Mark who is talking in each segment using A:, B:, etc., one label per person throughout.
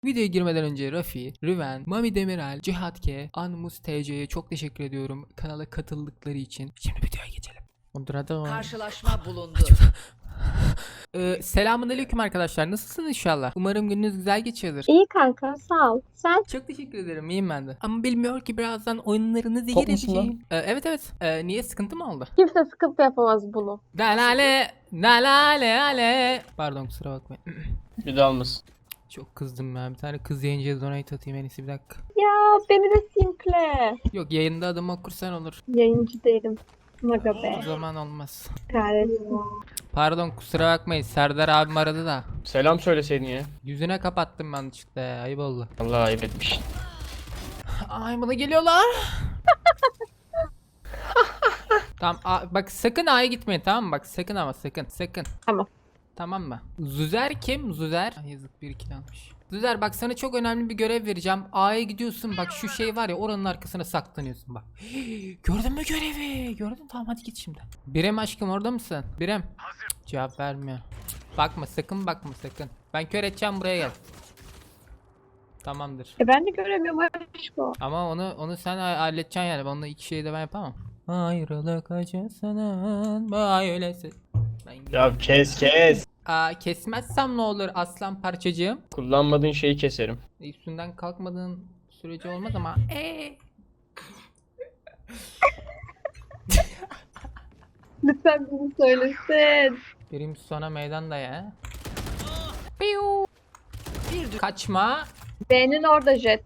A: Videoya girmeden önce Rafi, Riven, Mami Demirel, Cihat K, Anmus TC'ye çok teşekkür ediyorum kanala katıldıkları için. Şimdi videoya geçelim.
B: Karşılaşma bulundu.
A: Selamünaleyküm arkadaşlar. Nasılsınız inşallah? Umarım gününüz güzel geçiyordur.
C: İyi kanka sağ ol. Sen?
A: Çok teşekkür ederim. İyiyim ben de. Ama bilmiyor ki birazdan oyunlarınızı
D: Top musun lan?
A: gireceğim. Evet. Niye, sıkıntı mı oldu?
C: Kimse sıkıntı yapamaz bunu.
A: Dalale, dalale, ale. Pardon, kusura bakmayın.
D: Bir daha olmasın.
A: Çok kızdım ben. Bir tane kız yayıncıya donate atayım en iyisi, bir dakika.
C: Ya beni de simple.
A: Yok, yayında adımı okursan olur.
C: Yayıncı değilim. Maga
A: O
C: be.
A: zaman olmaz.
C: Kahretsin.
A: Pardon, kusura bakmayın. Serdar abim aradı da.
D: Selam söyleseydin ya.
A: Yüzüne kapattım ben çıktı. Ayıp oldu.
D: Allah ayıp etmiş.
A: Ay, bana geliyorlar. Tamam, bak sakın A'ya gitmeyin, tamam mı? Bak sakın, ama sakın.
C: Tamam.
A: Tamam mı? Zuzer kim? Zuzer. Ay, yazık, bir kill almış. Zuzer, bak sana çok önemli bir görev vereceğim. A'ya gidiyorsun, bak şu şey var ya, oranın arkasına saklanıyorsun bak. Gördün mü görevi? Gördün, tamam hadi git şimdi. Birem aşkım, orada mısın? Birem. Cevap vermiyor. Bakma sakın, bakma sakın. Ben kör edeceğim, buraya gel. Tamamdır.
C: Ben de göremiyorum aşkım.
A: Ama onu sen halledeceksin yani. Onunla iki şeyi de ben yapamam. Ayrılık acısının böylesi.
D: Ya kes.
A: Kesmezsem ne olur aslan parçacığım?
D: Kullanmadığın şeyi keserim.
A: Üstünden kalkmadığın sürece olmaz ama.
C: Lütfen bunu söylesin.
A: Birim sona meydan da ya. Piu. Kaçma.
C: B'nin orada jet.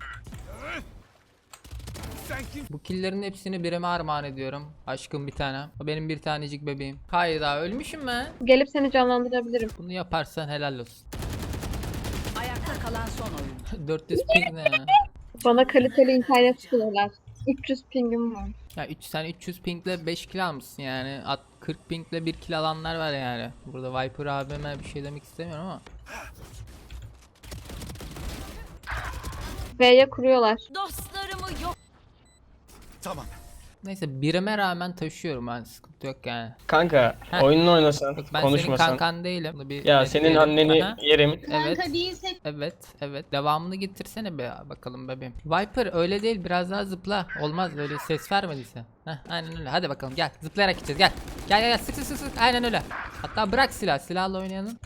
A: Bu killerin hepsini birime armağan ediyorum. Aşkım bir tane. O benim bir tanecik bebeğim. Hayır, daha ölmüşüm ben.
C: Gelip seni canlandırabilirim.
A: Bunu yaparsan helal olsun.
B: Ayakta kalan son oyun.
A: 400 ping ne ya?
C: Bana kaliteli internet sunuyorlar. 300 pingim var.
A: Ya sen 300 pingle 5 kill almışsın yani. 40 pingle 1 kill alanlar var yani. Burada Viper abime bir şey demek istemiyorum ama.
C: B'ye kuruyorlar.
B: Dostlarımı yok.
A: Neyse, birime rağmen taşıyorum ben, sıkıntı yok yani.
D: Kanka
A: Heh.
D: oyununu oynasan,
A: Yok, ben senin
D: konuşmasan.
A: kankan değilim. Bunu bir
D: Ya senin
A: netleyelim.
D: anneni
A: Aha.
D: yerim.
A: Evet. Devamını getirsene be bakalım bebeğim. Viper öyle değil, biraz daha zıpla. Olmaz, öyle ses vermediyse. Heh, aynen öyle. Hadi bakalım, gel. Zıplayarak gideceğiz, gel. Gel sık. Aynen öyle. Hatta bırak silahla oynayanın.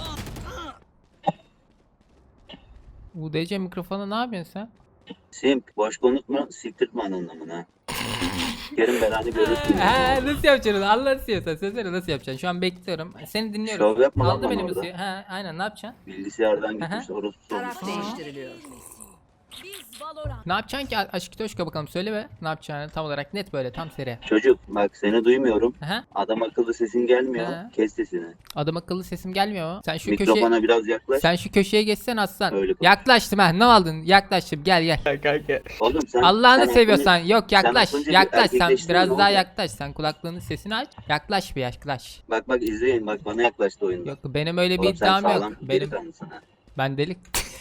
A: UDC mikrofonu ne yapıyorsun sen?
E: Simp, boş konuşma, siktirtme anlamına. Yarın belanı görürsün.
A: Nasıl yapacaksın? Allah istiyorsan söylesene, nasıl yapacaksın? Şu an bekliyorum. Seni dinliyorum.
E: Şov yapma lan
A: Aldı
E: bana
A: benim
E: orada.
A: müziği. Aynen, ne yapacaksın?
E: Bilgisayardan gitmiş, orospu
B: Taraf
E: olmuş.
B: değiştiriliyor. Biz Valorant.
A: Ne yapacaksın ki aşkı toşka, bakalım söyle be. Ne yapacağını tam olarak net, böyle tam seri.
E: Çocuk, bak seni duymuyorum.
A: Aha.
E: Adam akıllı sesin gelmiyor.
A: He.
E: Kes sesini.
A: Adam akıllı sesim gelmiyor mu? Sen şu
E: Mikrofona biraz yaklaş.
A: Sen şu köşeye geçsen aslan.
E: Öyle konuş.
A: Yaklaştım ha. Ne aldın? Yaklaştım. Gel.
D: Kanka.
E: Oğlum sen
A: Allah'ını
E: sen
A: seviyorsan. Yok, yaklaş.
E: az önce bir
A: Yaklaş sen.
E: erkekleştin,
A: Biraz
E: ne
A: daha
E: oldu?
A: yaklaş. Sen kulaklığının sesini aç. Yaklaş bir, yaklaş.
E: Bak izleyin, bak bana yaklaştı oyunda.
A: Yok, benim öyle bir
E: Oğlum sen
A: iddiam yok.
E: sağlam
A: Benim
E: delikanlısın ha.
A: ben delik.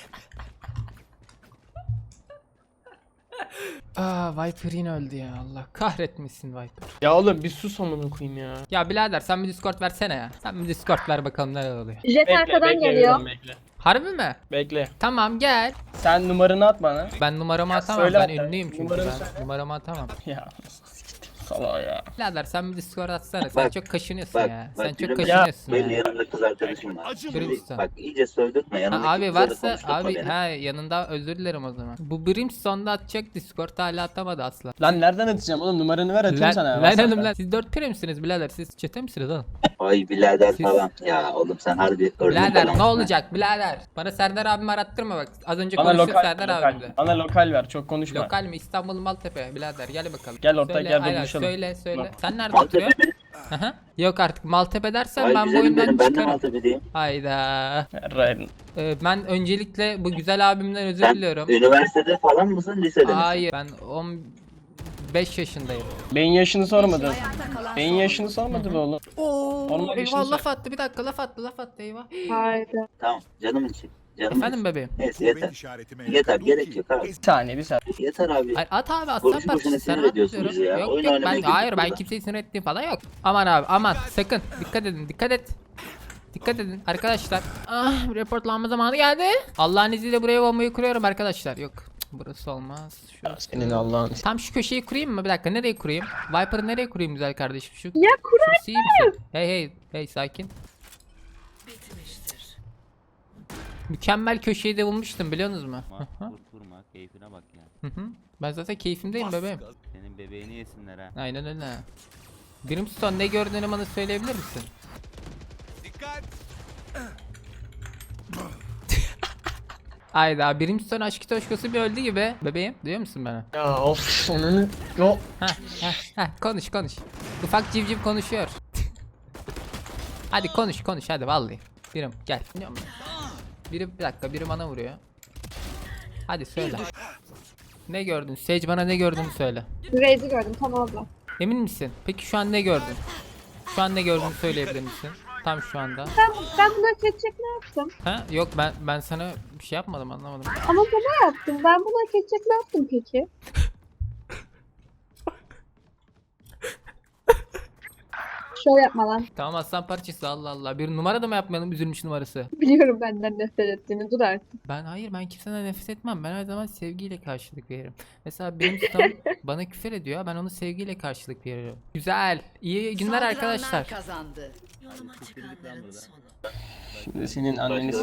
A: Viper yine öldü ya. Allah kahretmesin Viper.
D: Ya oğlum bir sus amına koyayım ya.
A: Ya birader, sen bir Discord versene ya. Sen bir Discord ver bakalım neler oluyor.
C: Jet arkadan geliyor.
D: Viren, bekle.
A: Harbi mi?
D: Bekle.
A: Tamam, gel.
D: Sen numaranı at bana.
A: Ben numaramı atamam.
D: söyle
A: Ben
D: hatta.
A: ünlüyüm çünkü.
D: Numaranı
A: Ben
D: söyle.
A: numaramı atamam.
D: Ya salak ya.
A: Birader, sen bir Discord atsana. Sen
E: Bak,
A: çok kaşınıyorsun
E: Bak,
A: ya.
E: bak
A: Sen çok
E: yürüme.
A: kaşınıyorsun
E: Benim
A: ya.
E: yanımda kız arkadaşım var.
A: Brimstone.
E: Bak iyice sövdürtme, yanımdaki
A: Abi
E: kızla da
A: varsa
E: konuşturma
A: abi
E: beni.
A: yanında, özür dilerim o zaman. Bu Brimstone'da atacak, Discord hala atamadı asla.
D: Lan nereden atacağım oğlum, numaranı ver atayım sana.
A: Lan
D: WhatsApp'tan.
A: oğlum lan, siz 4 pire misiniz birader? Siz çete misiniz oğlum?
E: Ay birader
A: Siz-
E: falan. Ya oğlum sen harbi örnek
A: Birader
E: adamsın
A: ne
E: ha.
A: olacak birader? Bana Serdar abimi arattırma bak. Az önce
D: Bana
A: konuştuk
D: lokal,
A: Serdar
D: lokal.
A: abimle.
D: Bana lokal ver, çok konuşma.
A: Lokal mi? İstanbul Maltepe birader, gel bakalım.
D: Gel ortak
A: Söyle,
D: yerde
A: aynen,
D: buluşalım.
A: Söyle.
D: Bak.
A: Sen nerede
E: Maltepe
A: oturuyorsun?
E: mi?
A: Aha. Yok artık, Maltepe dersen
E: Ay
A: ben bu
E: güzelim
A: oyundan
E: benim, ben de
A: çıkarım.
E: Maltepe'deyim.
A: Hayda.
D: Ryan.
A: Ben öncelikle bu güzel abimden özür
E: Sen
A: diliyorum.
E: üniversitede falan mısın, lisede misin?
A: Hayır, ben 15 yaşındayım.
D: Beyin yaşını sormadın.
B: Ayakta kalan
D: Beyin
B: son
D: yaşını sormadı mı oğlum?
A: Oo,
D: Onlar yaşını
A: eyvah,
D: sor-
A: laf attı, bir dakika, laf attı eyvah.
C: Haydi.
E: Tamam, canımın için. Canımın
A: Efendim
E: için.
A: bebeğim.
E: Neyse yeter. Yeter, gerek yok abi.
D: Bir saniye bir saniye.
E: Yeter abi.
A: Hayır, at abi, aslan
E: Boşu boşuna
A: parçası, sen
E: sinir
A: at
E: ediyorsun
A: diyorum.
E: bizi ya.
A: Yok
E: Oyun
A: ben
E: oynamaya
A: hayır,
E: girdik
A: ben
E: burada.
A: kimseyi sinir ettiğim falan yok. Aman abi, aman sakın dikkat edin, dikkat et. Dikkat edin arkadaşlar. Ah, reportlanma zamanı geldi. Allah'ın izniyle buraya bombayı kuruyorum arkadaşlar. Yok cık, burası olmaz. Şurası.
D: Senin Allah'ın.
A: Tam şu köşeyi kurayım mı? Bir dakika, nereye kurayım? Viper'ı nereye kurayım güzel kardeşim? Şu
C: Ya
A: şurası iyi misin? Hey sakin. Mükemmel köşeyi de bulmuştum biliyor musunuz mu? Hı hı.
F: Kurma keyfine bak ya.
A: Hı hı. Ben zaten keyfimdeyim bebeğim.
F: Senin bebeğini yesinler ha.
A: Aynen öyle. Brimstone ne gördüğünü bana söyleyebilir misin? Ayda Brimstone aşkı toşkosu bir öldü gibi. Bebeğim duyuyor musun beni?
D: Ya of onun. Yo.
A: Heh, konuş. Ufak civciv konuşuyor. Hadi konuş hadi vallahi. Birim gel. Biri bir dakika biri bana vuruyor. Hadi söyle. Ne gördün? Sage bana ne gördüğünü söyle.
C: Raze'i gördüm tam orada.
A: Emin misin? Peki şu an ne gördün? Şu an ne gördüğünü söyleyebilir misin? Tam şu anda.
C: Ben bunu hak edecek ne yaptım?
A: Ha? Yok ben sana bir şey yapmadım, anlamadım.
C: Ama bana yaptım. Ben bunu hak edecek ne yaptım peki? Şov yapma lan.
A: Tamam aslan parçası, Allah Allah. Bir numara da mı yapmayalım, üzülmüş numarası?
C: Biliyorum benden nefret ettiğini. Dur artık.
A: Ben kimseden nefret etmem. Ben her zaman sevgiyle karşılık veririm. Mesela benim ustam bana küfür ediyor. Ben onu sevgiyle karşılık veriyorum. Güzel. İyi günler
B: Saldıranlar
A: arkadaşlar.
B: kazandı.
D: Şimdi senin anneni